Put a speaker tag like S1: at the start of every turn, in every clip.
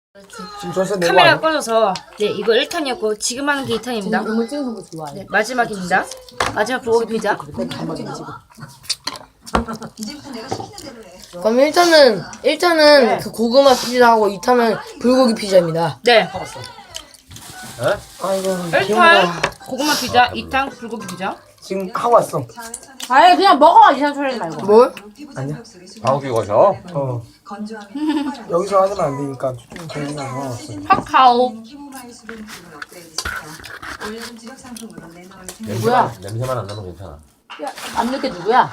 S1: 지금 전세 내고
S2: 카메라가 꺼져서 네 이거 1탄이었고 지금 하는 게 2탄입니다.
S3: 이런 거 찍는 거 좋아해.
S2: 네, 마지막입니다. 마지막 불고기 피자.
S3: 그럼 1탄은 그 고구마 피자하고 2탄은 불고기 피자입니다.
S2: 네.
S3: 아이고
S2: 1탄 고구마 피자, 2탄 불고기 피자.
S1: 지금 하고 왔어.
S4: 아예 그냥 먹어 이상 소리 하지 말고.
S3: 뭘?
S1: 아니야.
S5: 방귀 거셔?
S1: 어. 여기서 하면 안 되니까 좀 고민을 하고 왔어.
S2: 카카오.
S4: 뭐야?
S5: 냄새만 안 나면 괜찮아.
S4: 야, 남녀게 누구야?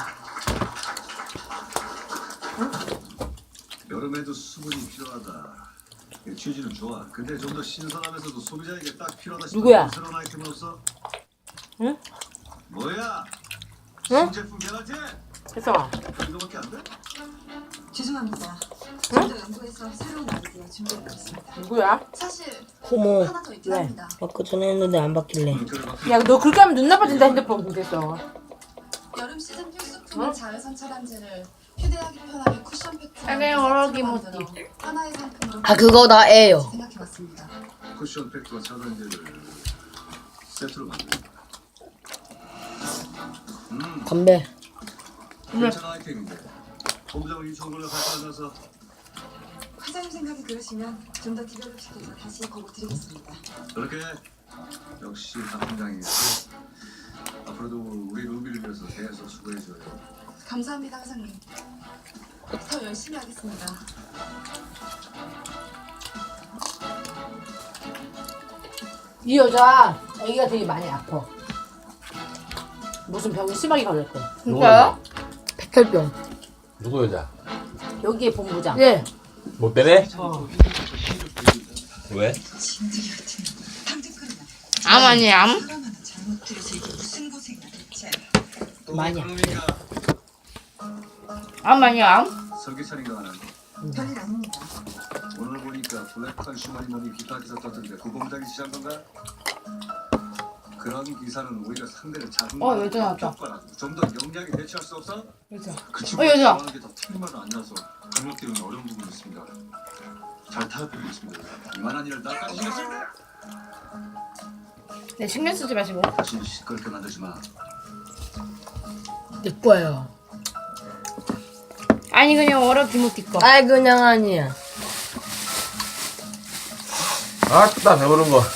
S6: 여름에도 수분이 필요하다. 취지는 좋아. 근데 좀 더 신선하면서도 소비자에게 딱 필요하다 싶은
S4: 누구야?
S6: 새로운 아이템은 없어?
S4: 응?
S6: 뭐야?
S4: 응?
S6: 신제품 개발제?
S4: 혜성아.
S6: 이거밖에 안 돼?
S7: 죄송합니다. 좀 더 연구해서 새로운 아이디어 준비해봤습니다.
S4: 누구야?
S7: 사실
S3: 고모
S7: 하나 더 있긴 합니다.
S3: 아까 전에 했는데 안 바뀔래.
S4: 야 너 그렇게 하면 눈 나빠진다 핸드폰 그랬어.
S7: 여름 시즌 필수품인 자외선 차단제를 휴대하기 편하게 쿠션 팩트로
S2: 아니, 어록이 못지.
S7: 하나의 상품으로
S3: 아 그거 나예요.
S7: 생각해봤습니다.
S6: 쿠션 팩트와 차단제를 세트로 만든다.
S3: 건배.
S6: 괜찮은 아이템인데 본부장을 이 정보를 발표하면서
S7: 회장님 생각이 그러시면 좀 더 디벨롭 시켜서 다시 보고 드리겠습니다.
S6: 그렇게 역시 박팀장이겠지. 앞으로도 우리 루비를 위해서 계속 수고해줘요.
S7: 감사합니다, 회장님. 더 열심히 하겠습니다.
S4: 이 여자 애기가 되게 많이 아파. 무슨 병이 심하게 걸렸대.
S2: 진짜요?
S3: 백혈병.
S5: 누구 여자?
S4: 여기에 본부장.
S3: 예.
S5: 못 되네?
S4: 어.
S5: 왜?
S2: 암 아니에요, 암?
S4: 많이 아파.
S2: 암 아니에요, 암?
S6: 설계차인가 하는
S7: 별일 아닙니다.
S6: 오늘 보니까 블랙 컨슈머니 뭐니 기타 기사 떴던데 그 공장이 지한 건가? 그런 기사는 오히려 상대를 작은
S2: 여자 나왔다.
S6: 좀더 영리하게 대처할 수 없어?
S2: 여자.
S6: 그 친구
S2: 여자.
S6: 좋아하는 게더 틀린 말은 아니라서 강력 때문에 어려운 부분이 있습니다. 잘 타협해보고 있습니다. 이만한 일을 나까지 신경 쓸 때!
S2: 네, 신경 쓰지 마시고.
S6: 다시 시끄럽게 만들지 마.
S3: 내 거예요.
S2: 아니, 그냥 어록 김우띠 거.
S3: 아이 그냥 아니야.
S5: 아따 배부른 거.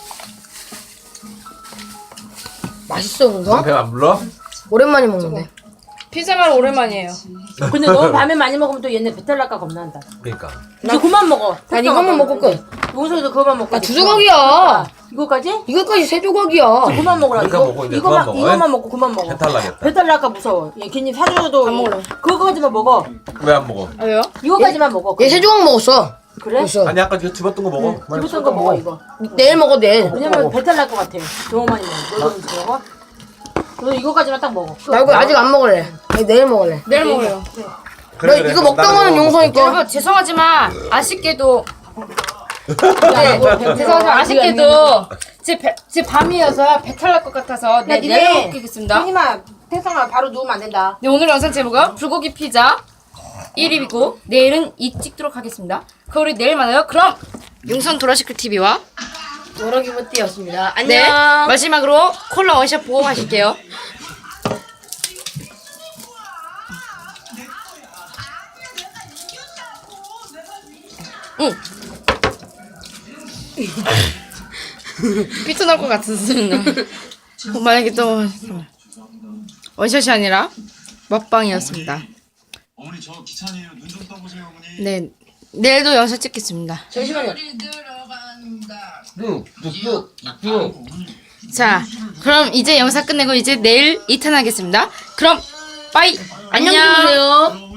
S3: 맛있어 그거?
S5: 배안 불러?
S3: 오랜만에 먹는데.
S2: 피자만 오랜만이에요.
S4: 근데 너무 밤에 많이 먹으면 또 얘네 배탈 날까 겁난다.
S5: 그러니까.
S4: 이제 그만 먹어.
S3: 난 이것만 먹고 끝.
S4: 용서도 그만 먹고.
S3: 두 조각이야.
S4: 이거까지?
S3: 이거까지 세 조각이야.
S4: 그만 먹으라.
S5: 그러니까 먹어, 이제
S4: 이거만
S5: 그만 먹어.
S4: 이거만 먹고 그만 먹어.
S5: 배탈 나겠다.
S4: 배탈 날까 무서워. 얘 괜히 사줘도
S2: 안 먹을래.
S4: 그거까지만 먹어.
S5: 왜 안 먹어?
S2: 아, 왜요?
S4: 이거까지만 먹어.
S3: 얘 세 조각 먹었어.
S4: 그래?
S3: 벌써.
S5: 아니 아까 그 집었던 거 먹어.
S4: 집었던 거 먹어 이거.
S3: 내일 먹어 내일.
S4: 왜냐면 배탈 날 것 같아. 너무 많이 먹어. 너도 이제 먹어? 너 이거까지만 딱 먹어.
S3: 나 이거 아직 안 먹을래. 아니, 내일 먹을래.
S2: 내일 먹어요.
S3: 너 이거 먹던 거는 용서니까.
S2: 여러분, 죄송하지만, 아쉽게도,
S4: 야, 이거
S2: 죄송하지만 아쉽게도, 제 밤이어서 배탈 날 것 같아서, 네,
S4: 니네
S2: 내일 먹겠습니다.
S4: 형님아, 태성아 바로 누우면 안 된다.
S2: 네, 오늘 영상 제목은 불고기 피자 1위이고 내일은 2 찍도록 하겠습니다. 그럼 우리 내일 만나요. 그럼 용선 도라시클 TV와
S3: 여러 기모띠였습니다. 안녕.
S2: 네 마지막으로 콜라 원샷 보고 가실게요. 응. 삐뚤 날것 같은 소리나. 만약에 또 원샷이 아니라 먹방이었습니다.
S6: 어머니 저 기차니에요. 눈 좀 떠보세요 어머니.
S2: 네, 내일도 영상 찍겠습니다.
S4: 잠시만요.
S2: 자, 그럼 이제 영상 끝내고 이제 내일 2탄 하겠습니다. 그럼 빠이!
S3: 안녕히 계세요.